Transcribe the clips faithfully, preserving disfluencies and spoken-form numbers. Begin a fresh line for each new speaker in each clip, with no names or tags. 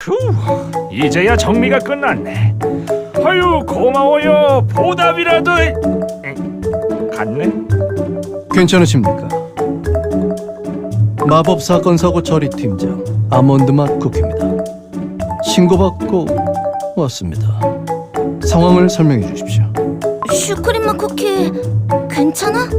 휴, 이제야 정리가 끝났네. 아유, 고마워요. 보답이라도. 에, 갔네?
괜찮으십니까? 마법 사건 사고 처리 팀장 아몬드 맛 쿠키입니다. 신고받고 왔습니다. 상황을 설명해 주십시오.
슈크림 맛 쿠키 괜찮아?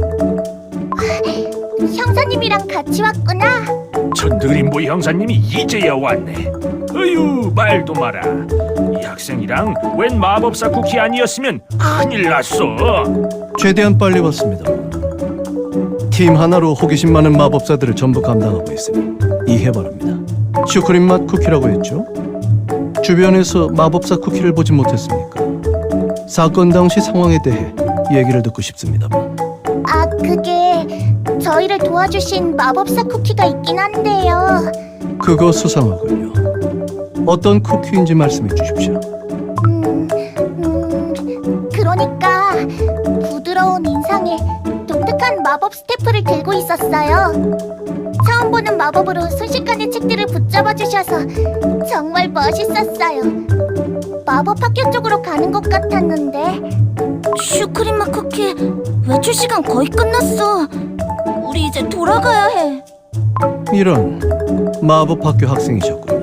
형사님이랑 같이 왔구나.
전드림보 형사님이 이제야 왔네. 어휴, 말도 마라. 이 학생이랑 웬 마법사 쿠키 아니었으면 큰일 났어.
최대한 빨리 왔습니다. 팀 하나로 호기심 많은 마법사들을 전부 감당하고 있으니 이해 바랍니다. 슈크림 맛 쿠키라고 했죠? 주변에서 마법사 쿠키를 보진 못했습니까? 사건 당시 상황에 대해 얘기를 듣고 싶습니다만.
아, 그게 저희를 도와주신 마법사 쿠키가 있긴 한데요.
그거 수상하군요. 어떤 쿠키인지 말씀해 주십시오.
음, 음, 그러니까 부드러운 인상에 독특한 마법 스태프를 들고 있었어요. 처음 보는 마법으로 순식간에 책들을 붙잡아 주셔서 정말 멋있었어요. 마법 학교 쪽으로 가는 것 같았는데. 슈크림 맛 쿠키 외출 시간 거의 끝났어. 우리 이제 돌아가야 해.
이런 마법 학교 학생이셨군요.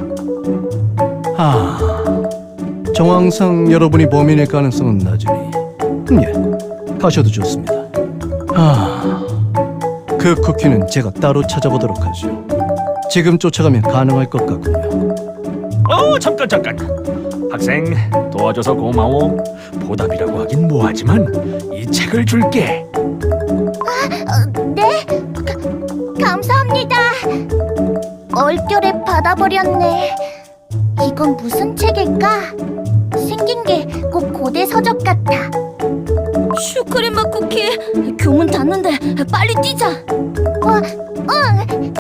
아, 정황상 여러분이 범인일 가능성은 낮으니 음, 예, 가셔도 좋습니다. 아, 그 쿠키는 제가 따로 찾아보도록 하죠. 지금 쫓아가면 가능할 것 같군요.
어, 잠깐 잠깐. 학생, 도와줘서 고마워. 보답이라고 하긴 뭐하지만 이 책을 줄게.
어, 네? 가, 감사합니다. 얼결에 받아버렸네. 이건 무슨 책일까? 생긴 게 꼭 고대 서적 같아. 슈크림 맛 쿠키, 교문 닫는데 빨리 뛰자. 어, 응.